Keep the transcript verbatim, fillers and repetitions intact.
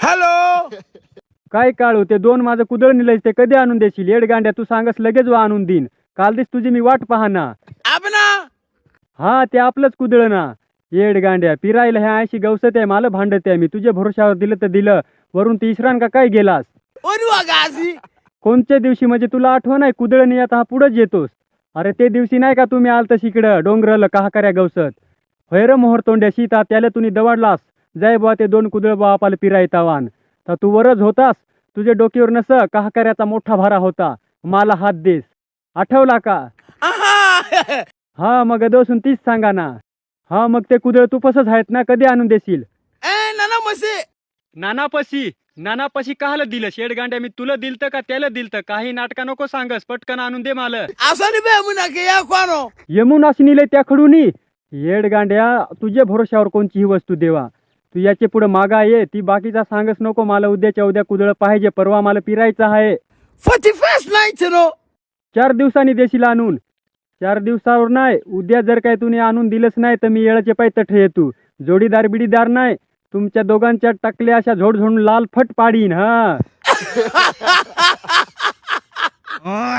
Hello. काय काळू ते दोन माझं कुदळ निलायच ते कधी आणून देशील? येड गांड्या तू सांगस लगेच वा आणून देईन. काल दिस तुझी मी वाट पाहना. आपना हा ते आपलंच कुदळ ना. येड गांड्या पिरायला ह्या ऐंशी गवसत आहे मला भांडत आहे मी. तुझ्या भरोशावर दिलं तर दिलं, वरून तिसरान का काय गेलास? ओनवा गासी कोणत्या दिवशी म्हणजे तुला आठवण आहे कुदळ नाही आता हा पुढेच येतोस. अरे ते दिवशी नाही का तुम्ही आलतस इकडं डोंगरल कहा कर्या गवसत हैर मोहर तोंड्या सीता त्याला तुम्ही दवाडलास. जय बुवा ते दोन कुदळ बापाला पिरायतावान तर तू वरच होतास. तुझ्या डोक्यावर नस कहा कर्याचा मोठा भारा होता. मला हात देस आठवला का? आहा हा मग दोसून तीच सांगा ना. हा मग ते कुदळ तू पसच आहेत ना, कधी आणून देशील? ए नाना मसे नानापशी नानापशी काहला दिलं? शेडगांड्या मी तुला दिलतं का त्याला दिलतं? काही नाटका नको सांगस, पटकन आणून दे मला. असनी बे मुना के या कोणो यमुनाशी निले त्या खडूनी. येडगांड्या तुझ्या भरोशावर कोणची ही वस्तू देवा. तू याचे पुढे मागा ये. ती बाकीचा सांगस नको मला. उद्याच्या उद्या कुदळ पाहिजे, परवा मला पिरायचं आहे. फटी फेस नाही चनो चार दिवसांनी देशील आणून. चार दिवसावर नाही, उद्या जर काय तुम्ही आणून दिलंच नाही तर मी येळाचे पाय तठ येतू. जोडीदार बिडीदार नाही, तुमच्या दोघांच्या टाकल्या अशा झोड झोडून लाल फट पाडीन. हा